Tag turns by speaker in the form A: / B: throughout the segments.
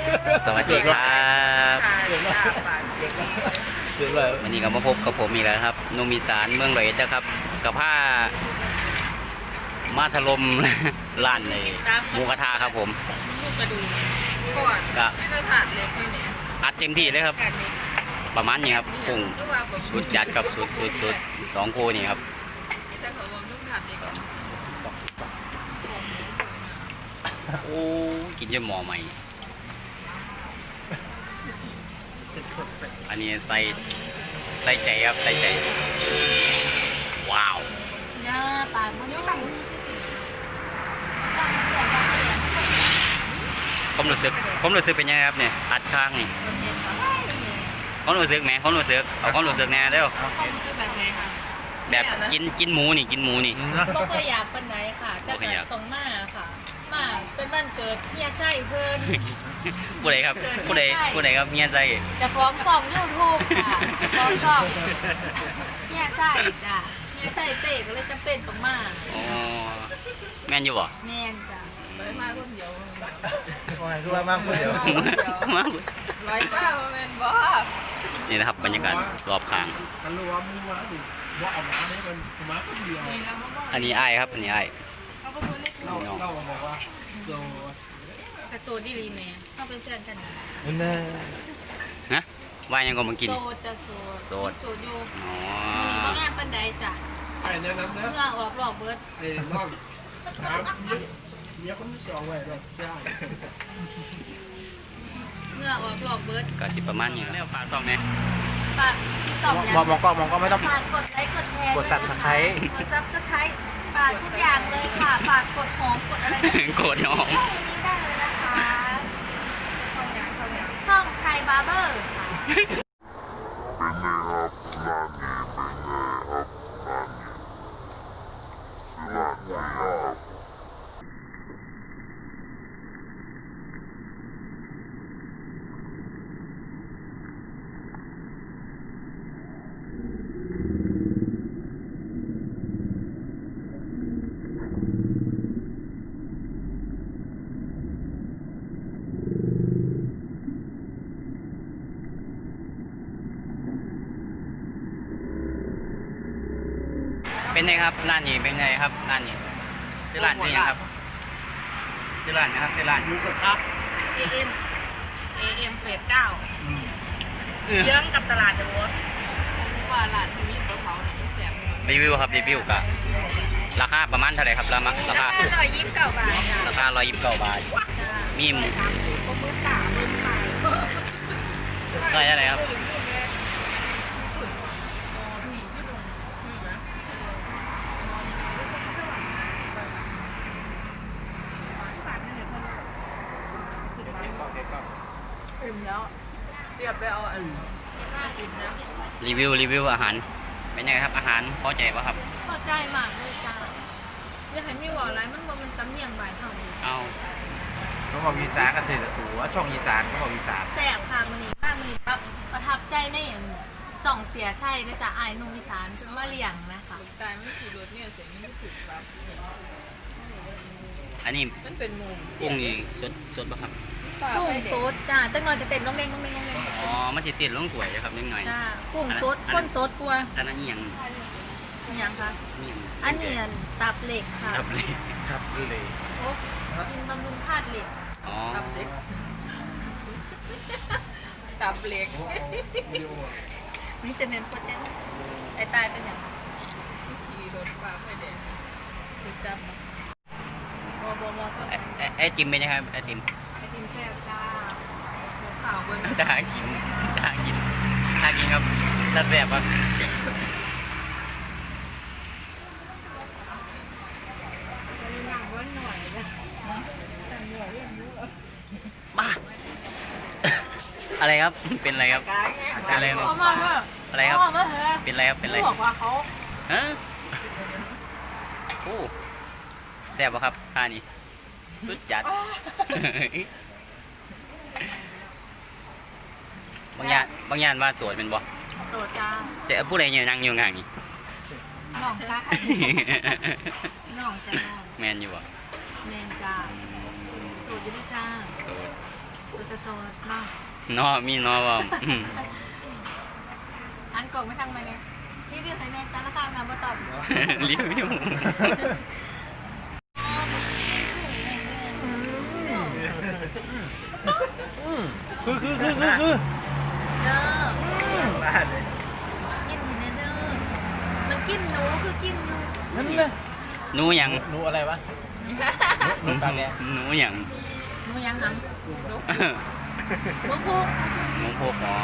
A: สวัสดีครับ
B: เดือดเลย
A: วันนี้ก็มาพบกับผมอีกแล้วครับหนุ่มอีสานเมืองร้อยเอ็ดนะครับกับผ้ามาถล่ม ร้านในหมูกระทะครับผม
C: ลูกกระดูกก่อน
A: ก็
C: ไม่ต้องขาดเล็กไม่เนี่ย
A: อัดเต็มที่เลยครับ
C: ขาดเล็ก
A: ประมาณนี้ครับปรุง
C: ก็ว่าแบบ
A: สุดจัดกับสุดสองคู่นี่ครับ
C: แต่เขาบอกลูกขาดเล็ก
A: โอ้กินจนหม้อใหม่อันนี้ใส่ใจครับใส่ใจว้าว
C: ย่าปลามันยุ่ง
A: ผมรู้สึกเป็นยังไงครับเนี่ยอัดข้างนี่ความรู้สึกแหมความรู้สึกเอาความรู้สึกแน่เด้อ
C: ความรู้สึกแบบไงคะ
A: แบบกินหมูนี่กินหมูนี่
C: ก็เคยอยากเป็นไหนค่ะแต่เกิดตรงมาค่ะมาเป็นวันเกิดเฮียไส้เพิ่น
A: ผู้ใดครับผู้ใดครับเมียใจ
C: จะฟ้องส่องยูทูบค่ะฟ้องส่องเฮียไส้จ้ะเฮียไส้เป๊กก็เลยจำเป็นต้องมา
A: อ๋อแม่นอยู่บ่
C: แม่นจ้ะไปมาคนเดียว
B: ว่าคือว่ามากคนเดียว
A: มา
C: ร้อยเก้าแม่นบ่
A: นี่นะครับบรรยากาศรอบข้าง
B: กันรู้ว่ามึงมาดิว่าออกมาเนี่ยมันมาคนเดียว
A: อันนี้อ้ายครับอันนี้อ้าย
C: เขาก็พูดเล็ก
B: เราบอกว่าโซ
C: กระโซดีรีแม่เขาเป็นแฟนกัน
B: นั่นแน่
A: นะว่ายังก็มากิน
C: โซจะโซ
A: โสด
C: โซอยู่
A: อ๋อ
C: มีเขาแง่ปันใดจ้ะ
B: ไอ้เนี่ยนั้นนะ
C: เมื่อออกหลอกเบิร์ด
B: ไอ้น้องถามเมียคนที่สองไว้ด้วยใช่
C: เมื่อออกหลอกเบิร์ด
A: ก็สิประมาณนี้แล้วฝากซ่องแม่
C: ฝากที่สองอย่าง
B: มองก็ไม่ต้อง
C: ฝากกดไลค์กดแชร์
B: กด Subscribe
C: กดซับสไครต์ฝากทุกอย่างเลยค่ะฝากกดหอมกดอะไรก็ได้
A: โกรธน้อง
C: นี้ได้เลยนะคะช่องชัยบาร์เบอร์ค่ะ
A: เป็นไงครับร้านนี้เป็นไงครับร้านนี้ชื่อร้านนี่ยังครับชื่อร้านนะครับชื่อร้าน
B: หมูกระทะ
C: AM เฟส9เยื้องกับตลาดเดอะวอลว่าร้านที่มีเผาเนี่ยแสบ
A: รีวิวครับรีวิวกับราคาประมาณเท่าไหร่ครับราคา
C: ราคา129 บาทจ้ะ
A: ราคา129 บาทมีหมู
C: ก็มือตามือขาย
A: เท่าไหร่ครับ
C: อิ่มแล้วเรียบไปเอาอันอิ่มนะ
A: รีวิวอาหารเป็นยังไงครับอาหารพอใจป่ะครับ
C: พอใจมากเลยจ้าอยากให้มีว่าอะไรมันบ่มันสำเนียงบ่ายเท่านี้
A: เอา
B: เขาบอกอีสานกันเถอะตัวช่องอีสานเขาบอกอีสาน
C: แซ่บค่ะมันนี้บ้านมันนี้ปั๊บประทับใจในอันส่องเสียใช่นะจ๊ะอายนุ่มอีสานเป็นว่าเลี้ยงนะคะตายไม่ขี่รถเนี่ยเสียงไม่ถูกครับ
A: อันนี้
C: มันเป็นมุม
A: กุ้งนี่สดป่ะครับ
C: กุ้งสดจ้าจังหน่อยจะเป็นน้องเด้งน้องเด้งน้องเด้ง
A: อ๋อมันจะติดลงถ้วยนะครับนิดหน่อย
C: จ้ากุ้งสดข้นสดกลัว
A: แต่นั่นนี่ยัง
C: ยังคะ
A: นี่ยัง
C: อันนี้ตับเหล็กค่ะ
A: ครับเลย
B: ครับเลย
C: โอ้กินบำรุงธาตุเหล็ก
A: อ๋อ
C: ตับเหล็กตับเหล็กนี่จะเน้นโปรตีนไอ้ตายเป็นอย่างวิธีรถฟ้าไฟแดงคือจำบอก็
A: ไอติมเป็นยังไงครับไอติม
C: ไอติมแซ่บจ้าข่าวบน
A: จะหากินครับแซ่บๆครับบ้าอะไรครับเป็นอะไรครับอะไรครับ
C: เขามาว่า
A: อะไรครับ
C: เขามาเถอะ
A: เป็นอะไรครับเป็นอะไร
C: เขาบอกว่าเขา
A: ฮะโอ้แซ่บป่ะครับท่านี้สุดจัด บางอย่างว่าสวยเป็นบ่
C: โดดจ้า
A: แต่ผู้ใดเนี่ยนั่งอยู่ห่างนี่
C: หน่องซักหน่องจ้า
A: แมนอยู่บ่
C: แมนจ้าสูตรอยู่ด้วยจ้า
A: โสด
C: ตัวจะโซดเนาะ
A: นอมีนอว่า
C: อันกล่องไม่ทำมาเนี่ยรีวิวให้แน่สารคามน้ำมาตอบ
A: รีวิว
B: คือ
C: เด้อกินเห็นเด้อมันกินหนูคือกินอยู่
B: นั่นเลย
A: หนูหยัง
B: หนูอะไรวะหนูตาแดง
A: หนูหยัง
C: หนูยังหำหนูพุก
A: หนูพวกหมอ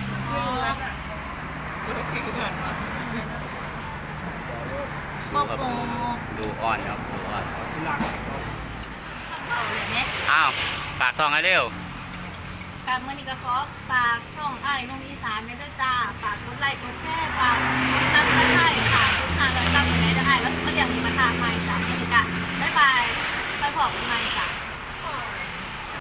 C: โป๊กโป๊ก
A: ดูอ่อนครับดูอ่อน
B: หลัก
C: เอาเลยไหม
A: อ้าวฝากซองให้เร็ว
C: การเมื่อนี้ก็ขอฝากช่องอ้ายนุ่มอีสานเมเดอร์จ้าฝากกดไลค์กดแชร์ฝากกดซับสไครต์ค่ะทุกทางการซับอยู่ไหนจะอ้ายแล้วมาเรียงมาทางใหม่จ้าเอนิกาบ๊ายบายไปพบกันใหม่